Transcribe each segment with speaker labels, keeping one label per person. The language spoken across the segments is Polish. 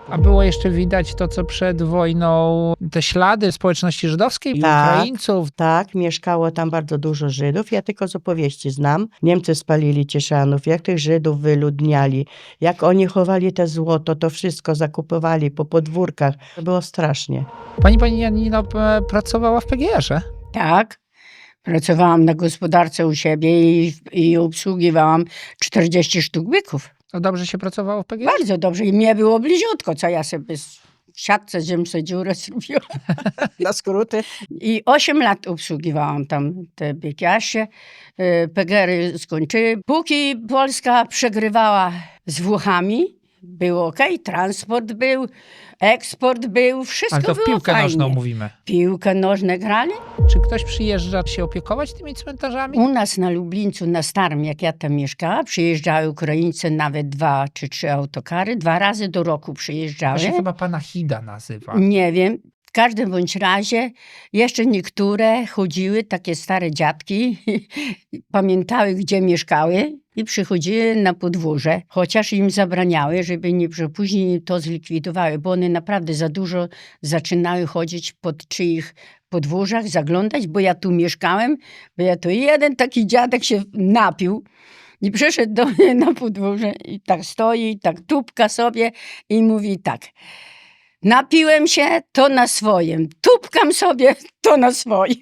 Speaker 1: A było jeszcze widać to, co przed wojną, te ślady społeczności żydowskiej,
Speaker 2: Tak.
Speaker 1: Ukraińców.
Speaker 2: Tak, mieszkało tam bardzo dużo Żydów. Ja tylko z opowieści znam. Niemcy spalili Cieszanów, jak tych Żydów wyludniali, jak oni chowali te złoto, to wszystko zakupowali po podwórkach. To było strasznie.
Speaker 1: Pani Janino pracowała w PGR-ze.
Speaker 3: Tak. Pracowałam na gospodarce u siebie i obsługiwałam 40 sztuk byków.
Speaker 1: To dobrze się pracowało w PGR?
Speaker 3: Bardzo dobrze. I mnie było bliziutko, co ja sobie w siatce ziem sobie dziurę zrobiłam na skróty. I 8 lat obsługiwałam tam te byki. Aż się PGR-y skończyły. Póki Polska przegrywała z Włochami, było okej, transport był, eksport był, wszystko
Speaker 1: Ale to w
Speaker 3: było
Speaker 1: piłkę
Speaker 3: fajnie.
Speaker 1: nożną mówimy.
Speaker 3: Piłkę nożną grali?
Speaker 1: Czy ktoś przyjeżdża się opiekować tymi cmentarzami?
Speaker 3: U nas na Lublińcu, na Starym, jak ja tam mieszkałam, przyjeżdżały Ukraińcy, nawet 2 czy 3 autokary. 2 razy do roku
Speaker 1: To
Speaker 3: przyjeżdżały.
Speaker 1: się chyba pana Hida nazywa.
Speaker 3: Nie wiem. W każdym bądź razie jeszcze niektóre chodziły, takie stare dziadki, pamiętały, gdzie mieszkały i przychodziły na podwórze, chociaż im zabraniały, żeby nie, że później to zlikwidowały, bo one naprawdę za dużo zaczynały chodzić pod czyich podwórzach, zaglądać, bo ja tu mieszkałem, bo ja tu jeden taki dziadek się napił i przyszedł do mnie na podwórze i tak stoi, tak tupka sobie i mówi tak: napiłem się, to na swoim. Tupkam sobie, to na swoim.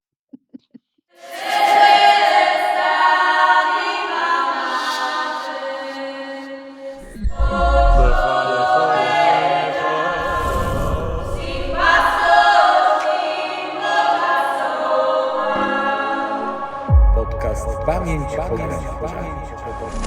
Speaker 4: Podcast Pamięć Pograniczna.